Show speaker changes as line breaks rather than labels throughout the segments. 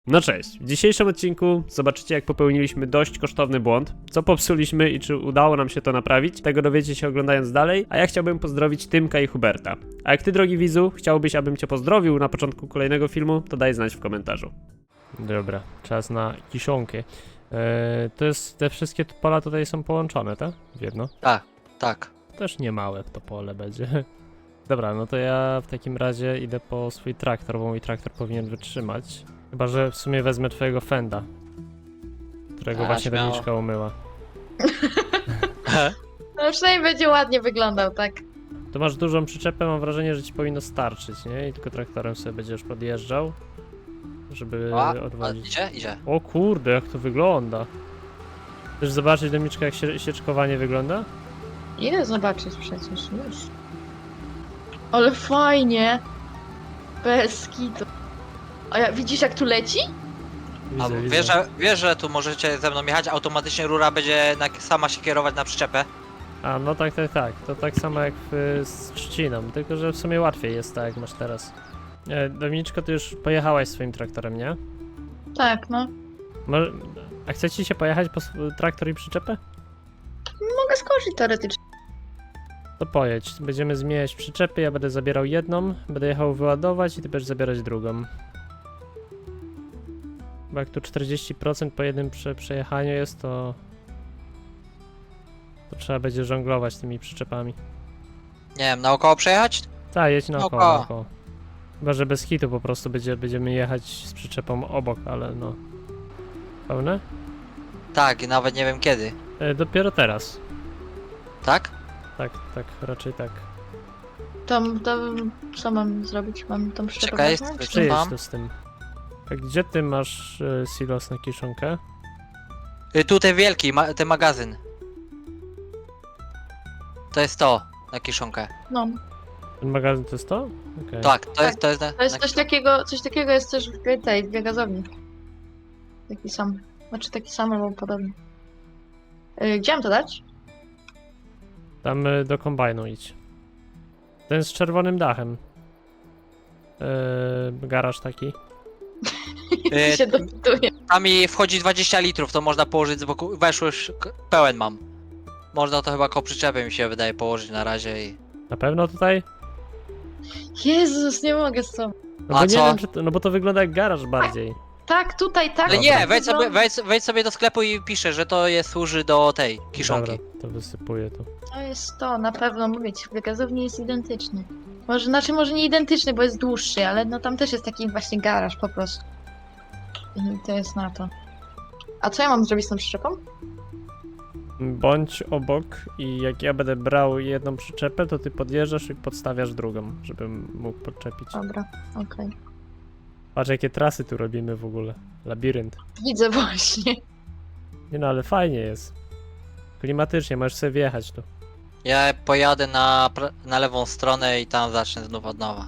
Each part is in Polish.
No cześć, w dzisiejszym odcinku zobaczycie, jak popełniliśmy dość kosztowny błąd, co popsuliśmy i czy udało nam się to naprawić. Tego dowiecie się oglądając dalej, a ja chciałbym pozdrowić Tymka i Huberta. A jak ty, drogi widzu, chciałbyś, abym cię pozdrowił na początku kolejnego filmu, to daj znać w komentarzu. Dobra, czas na kiszonkę. To jest, te wszystkie pola tutaj są połączone, tak? W jedno?
Tak.
Też nie małe to pole będzie. Dobra, no to ja w takim razie idę po swój traktor, bo mój traktor powinien wytrzymać. Chyba że w sumie wezmę twojego Fenda, którego właśnie
śmiało.
Doniczka umyła.
No przynajmniej będzie ładnie wyglądał, tak?
To masz dużą przyczepę, mam wrażenie, że ci powinno starczyć, nie? I tylko traktorem sobie będziesz podjeżdżał, żeby odwozić.
Idzie.
O kurde, jak to wygląda. Chcesz zobaczyć, Doniczka, jak sieczkowanie wygląda?
Idę zobaczyć przecież, już. Ale fajnie! Bez kitu. A widzisz jak tu leci?
A wiesz, że tu możecie ze mną jechać, automatycznie rura będzie sama się kierować na przyczepę?
A, no tak. To tak samo jak z trzciną, tylko że w sumie łatwiej jest tak, jak masz teraz. Dominiczko, ty już pojechałaś swoim traktorem, nie?
Tak, no.
A chce ci się pojechać po traktor i przyczepę?
Mogę skoczyć teoretycznie.
To pojedź. Będziemy zmieniać przyczepy, ja będę zabierał jedną, będę jechał wyładować i ty będziesz zabierać drugą. Bo jak tu 40% po jednym przejechaniu jest, to trzeba będzie żonglować tymi przyczepami.
Nie wiem, naokoło przejechać?
Tak, jedź naokoło,
Naokoło.
naokoło. Chyba, że bez hitu po prostu będziemy jechać z przyczepą obok, ale no... Pełne?
Tak, i nawet nie wiem kiedy.
Dopiero teraz.
Tak?
Tak, raczej tak.
To co mam zrobić? Mam tą przyczepę
Czekaj,
wezmę?
Przyjedź
mam?
tu z tym. A gdzie ty masz silos na kiszonkę?
Tutaj wielki, ten magazyn. To jest to, na kiszonkę.
No.
Ten magazyn to jest to? Okej.
Tak, to jest
To jest coś takiego jest też w tej biogazowni. Taki sam. Znaczy taki sam albo podobny. Gdzie mam to dać?
Tam do kombajnu idź. Ten z czerwonym dachem. Garaż taki.
się dopytuję.
Tam mi wchodzi 20 litrów, to można położyć z boku. Weszło już, pełen mam. Można to chyba koło przyczepy, mi się wydaje, położyć na razie i...
Na pewno tutaj?
Jezus, nie mogę z tobą.
No
A
bo nie
co?
wiem, czy to, no bo to wygląda jak garaż bardziej.
Tak, tutaj, tak.
Ale
Dobra.
nie, wejdź sobie do sklepu i piszę, że to służy do tej kiszonki.
Dobra, to wysypuję tu.
To jest to, na pewno mówię ci, w biogazowni jest identyczny. Może nie identyczny, bo jest dłuższy, ale no tam też jest taki właśnie garaż po prostu. I to jest na to. A co ja mam zrobić z tą przyczepą?
Bądź obok i jak ja będę brał jedną przyczepę, to ty podjeżdżasz i podstawiasz drugą, żebym mógł podczepić.
Dobra, okej.
Patrz, jakie trasy tu robimy w ogóle. Labirynt.
Widzę właśnie.
Nie no, ale fajnie jest. Klimatycznie, możesz sobie wjechać tu.
Ja pojadę na lewą stronę i tam zacznę znów od nowa.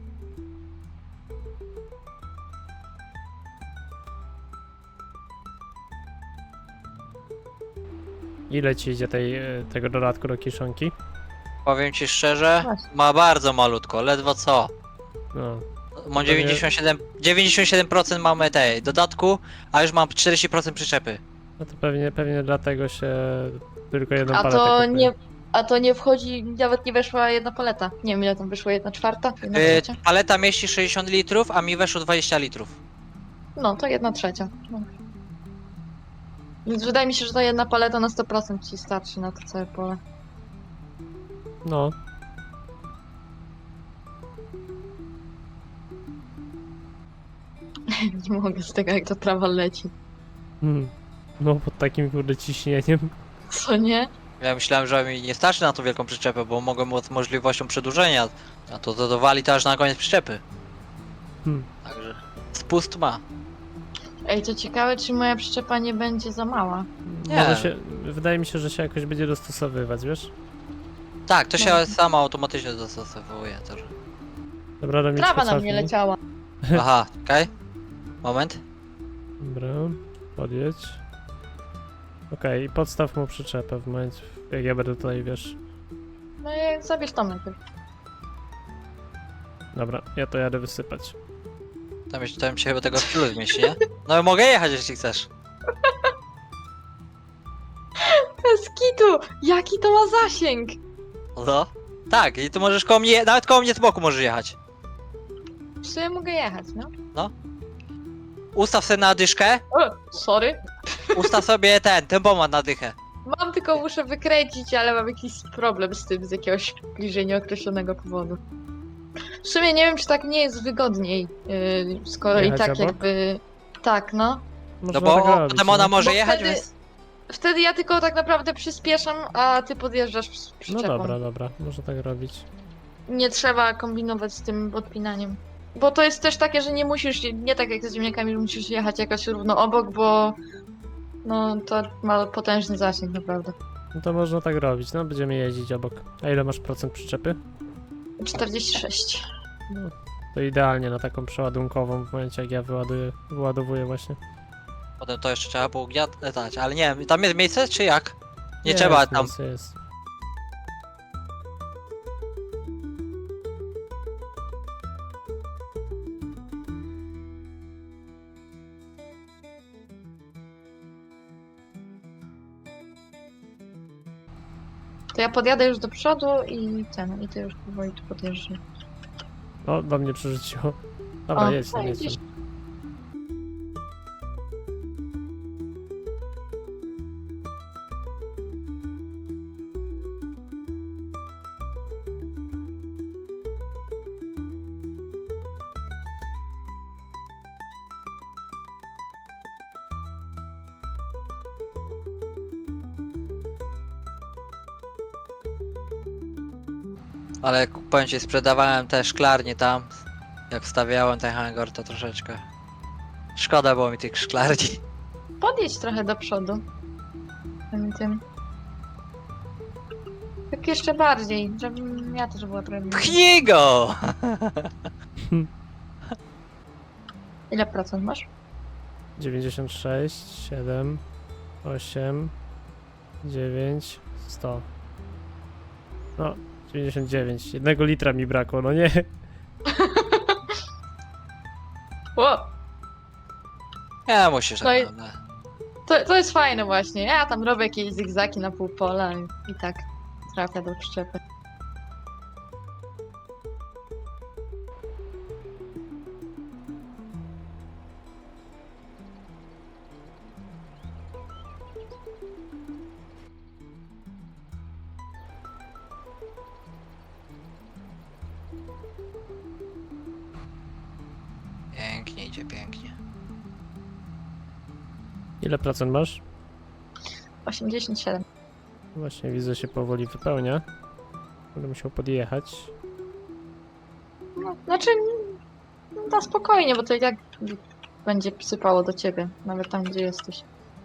Ile ci idzie tego dodatku do kiszonki?
Powiem ci szczerze,
Właśnie.
ma bardzo malutko, ledwo co.
No,
Mam 97% mamy tej dodatku, a już mam 40% przyczepy.
no to pewnie dlatego się tylko jedną
A
paletę
to
kupuje.
nie. A to nie wchodzi, nawet nie weszła jedna paleta. Nie wiem ile tam wyszło, 1/4? 1/3?
Paleta mieści 60 litrów, a mi weszło 20 litrów.
No, to 1/3. No. Więc wydaje mi się, że ta jedna paleta na 100% ci starczy na to całe pole.
No,
Nie mogę z tego, jak to trawa leci.
no pod takim kurde ciśnieniem.
Co nie?
Ja myślałem, że mi nie starczy na tą wielką przyczepę, bo mogę z możliwością przedłużenia, a to dowali to aż na koniec przyczepy. Także spust ma.
Ej, to ciekawe, czy moja przyczepa nie będzie za mała.
Nie.
Może się, wydaje mi się, że się jakoś będzie dostosowywać, wiesz?
Tak, to się
No.
sama automatycznie dostosowuje. Też.
Dobra, Dominiczka,
Trawa na mnie
cofnij.
leciała.
Aha, okej. Moment.
Dobra, podjedź. Okej, i podstaw mu przyczepę w momencie, jak ja będę tutaj, wiesz.
No i zabierz tam najpierw.
Dobra, ja to jadę wysypać.
Tam się chyba tego w tylu zmieści, nie? No mogę jechać, jeśli chcesz.
Bez kitu! Jaki to ma zasięg?
No. Tak, i tu możesz koło mnie, nawet koło mnie z boku możesz jechać.
W sumie mogę jechać, no.
Ustaw sobie na dyszkę,
O, sorry.
ustaw sobie ten tempomat na dychę.
Mam, tylko muszę wykręcić, ale mam jakiś problem z tym, z jakiegoś bliżej nieokreślonego powodu. W sumie nie wiem, czy tak nie jest wygodniej, skoro
Jechać
i tak
obok?
jakby... Tak, no.
Można
No bo
tak robić,
potem ona
no.
może
Bo
jechać,
wtedy-
więc...
Wtedy ja tylko tak naprawdę przyspieszam, a ty podjeżdżasz z
No
przyczepą.
dobra, można tak robić.
Nie trzeba kombinować z tym odpinaniem. Bo to jest też takie, że nie musisz, nie tak jak z ziemniakami, że musisz jechać jakoś równo obok, bo no to ma potężny zasięg naprawdę.
No to można tak robić, no będziemy jeździć obok. A ile masz procent przyczepy?
46.
No, to idealnie na taką przeładunkową w momencie jak ja wyładowuję właśnie.
Potem to jeszcze trzeba było gniatać, ale nie wiem, tam jest miejsce czy jak? Nie
Jest,
trzeba tam...
Jest.
To ja podjadę już do przodu i ty już powoli tu podjeżdżasz.
O, do mnie przerzuciło. Dobra,
O,
jedź tam, jedź
widzisz.
tam.
Ale powiem ci, sprzedawałem te szklarnie tam. Jak wstawiałem ten hangar, to troszeczkę... Szkoda było mi tych szklarni.
Podjedź trochę do przodu. Tym. Tak jeszcze bardziej, żebym ja też była trochę bliżej.
Pchnij go!
Ile procent masz?
96, 7, 8, 9, 100. No, 99. 1 litra mi brakło, no nie.
Ło!
Nie musisz
No i-
tak naprawdę.
To jest fajne właśnie. Ja tam robię jakieś zygzaki na pół pola i tak trafia do przyczepy.
Pięknie idzie, pięknie.
Ile procent masz?
87.
Właśnie widzę, się powoli wypełnia. Będę musiał podjechać.
No, znaczy, na spokojnie, bo to i tak będzie sypało do ciebie, nawet tam, gdzie jesteś.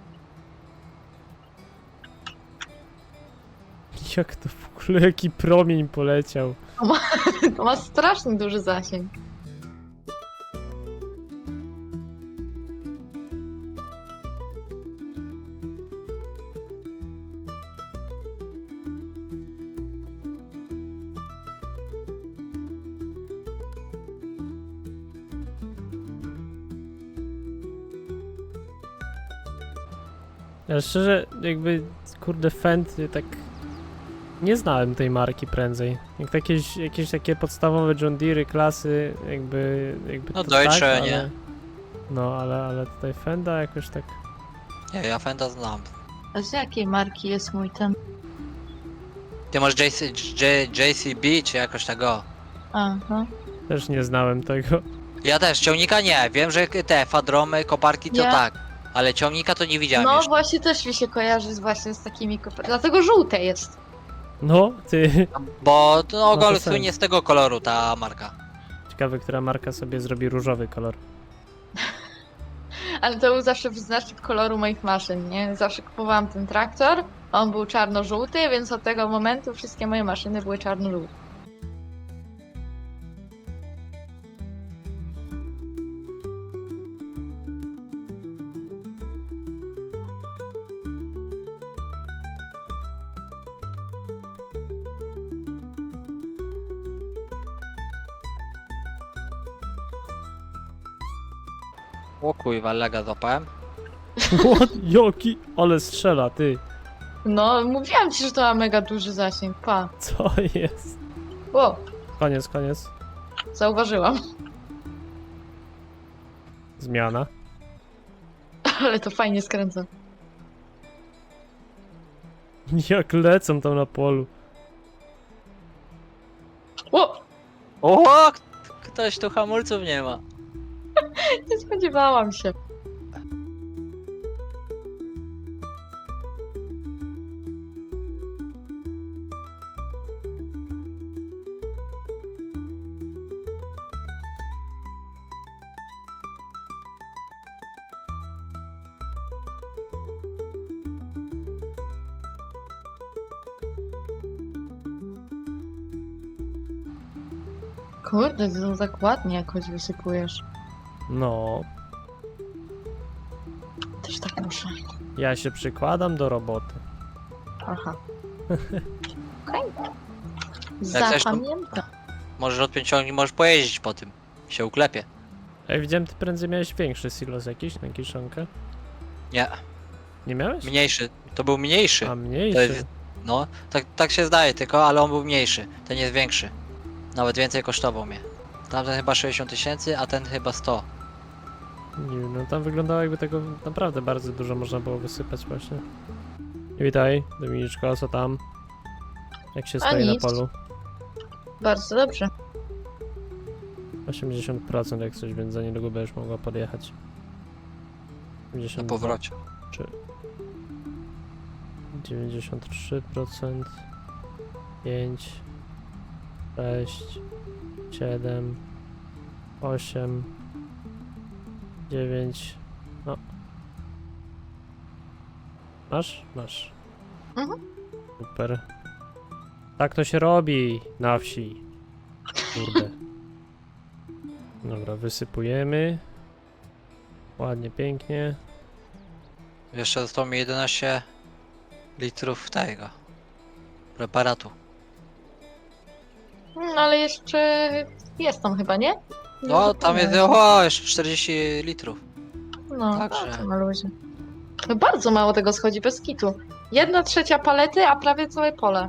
Jak to w ogóle, jaki promień poleciał.
To ma strasznie duży zasięg.
Ale szczerze, jakby, kurde, Fendt, tak... Nie znałem tej marki prędzej. Jak to jakieś takie podstawowe John Deere klasy, jakby
No
to
Deutsche,
tak,
nie?
ale... No, ale tutaj Fenda jakoś tak...
Nie, ja Fenda znam.
A z jakiej marki jest mój ten?
Ty masz JCB czy jakoś tego?
Aha.
Też nie znałem tego.
Ja też, ciągnika nie. Wiem, że te fadromy, koparki to
Ja-
tak. Ale ciągnika to nie widziałem
No
jeszcze.
właśnie też mi się kojarzy właśnie z takimi dlatego żółte jest.
No, ty...
Bo no,
to
ogólnie
sens.
słynie z tego koloru ta marka.
Ciekawe, która marka sobie zrobi różowy kolor.
Ale to był zawsze wyznacznik koloru moich maszyn, nie? Zawsze kupowałam ten traktor, on był czarno-żółty, więc od tego momentu wszystkie moje maszyny były czarno-żółte.
O kurwa, lega złapałem.
What? Joki? Ale strzela, ty.
No, mówiłam ci, że to ma mega duży zasięg. Pa.
Co jest?
O,
Koniec, koniec.
zauważyłam.
Zmiana.
Ale to fajnie skręca.
Jak lecą tam na polu.
O,
O! Ktoś tu hamulców nie ma.
nie spodziewałam się. Kurde, ty to tak ładnie jakoś wysypujesz.
No,
Też tak muszę.
ja się przykładam do roboty.
Aha. Okej.
chcesz, to-
Zapamiętam.
Możesz odpiąć ciągnik, możesz pojeździć po tym. Się uklepie.
Ej, widziałem, ty prędzej miałeś większy silos jakiś na kiszonkę.
Nie,
Nie miałeś?
mniejszy. To był mniejszy.
A
To
mniejszy.
jest, no, tak się zdaje tylko, ale on był mniejszy. Ten jest większy. Nawet więcej kosztował mnie. Tamten chyba 60 000, a ten chyba 100.
Nie wiem, no tam wyglądało jakby tego naprawdę bardzo dużo można było wysypać właśnie. Witaj, Dominiczko, co tam? Jak się
A
stoi na
nic.
polu?
Bardzo dobrze.
80% jak coś, więc za niedługo będziesz mogła podjechać.
Na
52,
powrocie.
93%, 5, 6, 7, 8, 9, no. Masz? Masz.
Mhm.
Super. Tak to się robi na wsi. Kurde. Dobra, wysypujemy. Ładnie, pięknie.
Jeszcze zostało mi 11 litrów tego preparatu.
Ale jeszcze jest tam chyba, nie? Nie
No, tam jest
zapomniałam.
jeszcze 40 litrów.
No,
także.
to na luzie. No bardzo mało tego schodzi bez kitu. 1/3 palety, a prawie całe pole.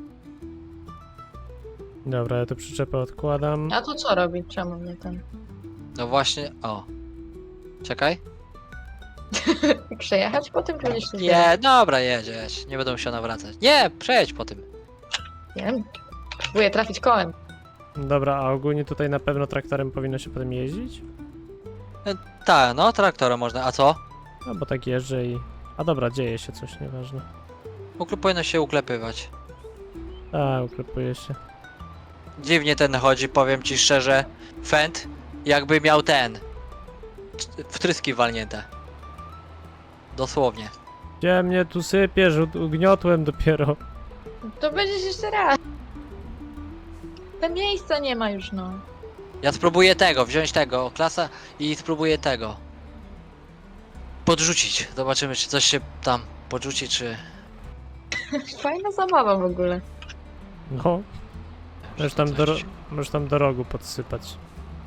Dobra, ja tu przyczepę odkładam.
A to co robi? Czemu mnie ten?
No właśnie, o. Czekaj.
Przejechać po tym będziesz to
Nie, dobra, jedź. Nie będę musiał nawracać. Nie, przejedź po tym.
Wiem. Próbuję trafić kołem.
Dobra, a ogólnie tutaj na pewno traktorem powinno się potem jeździć?
Tak, no, traktorem można. A co?
No bo tak jeżdżę i... A dobra, dzieje się coś, nieważne.
Powinno się uklepywać.
A, uklepuje się.
Dziwnie ten chodzi, powiem ci szczerze. Fend, jakby miał ten. Wtryski walnięte. Dosłownie.
Gdzie mnie tu sypiesz? Ugniotłem dopiero.
To będziesz jeszcze raz. Te miejsca nie ma już, no.
Ja spróbuję tego, wziąć tego, klasa i spróbuję tego. Podrzucić. Zobaczymy, czy coś się tam podrzuci, czy...
Fajna zabawa w ogóle.
No. Możesz tam do rogu podsypać.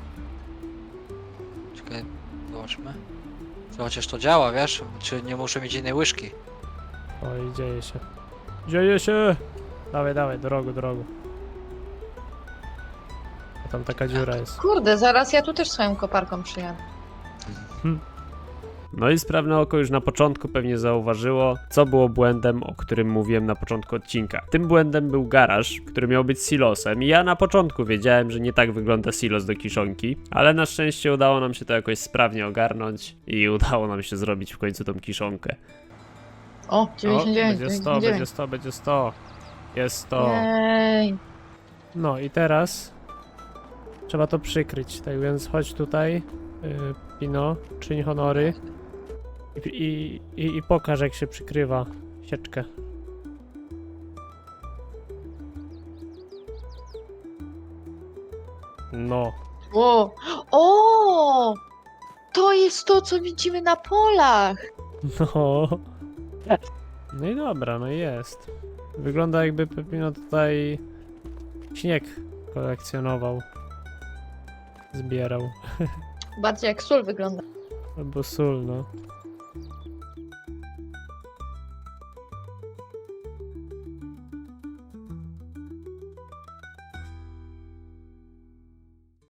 Czekaj, zobaczmy. Chociaż to działa, wiesz? Czy nie muszę mieć innej łyżki?
Oj, dzieje się. Dzieje się! Dawaj, dawaj, do rogu, do rogu. A tam taka dziura jest.
Kurde, zaraz ja tu też swoją koparką przyjadę.
No i sprawne oko już na początku pewnie zauważyło, co było błędem, o którym mówiłem na początku odcinka. Tym błędem był garaż, który miał być silosem i ja na początku wiedziałem, że nie tak wygląda silos do kiszonki, ale na szczęście udało nam się to jakoś sprawnie ogarnąć i udało nam się zrobić w końcu tą kiszonkę.
O, 99,
będzie 100, będzie 100, będzie 100. Jest 100.
Jej.
No i teraz trzeba to przykryć, tak więc chodź tutaj, Pino, czyń honory i pokaż, jak się przykrywa sieczkę. No.
Wow. O! To jest to, co widzimy na polach.
No. No i dobra, no i jest. Wygląda, jakby Pepino tutaj śnieg kolekcjonował. Zbierał.
Bardziej jak sól wygląda.
Albo sól, no.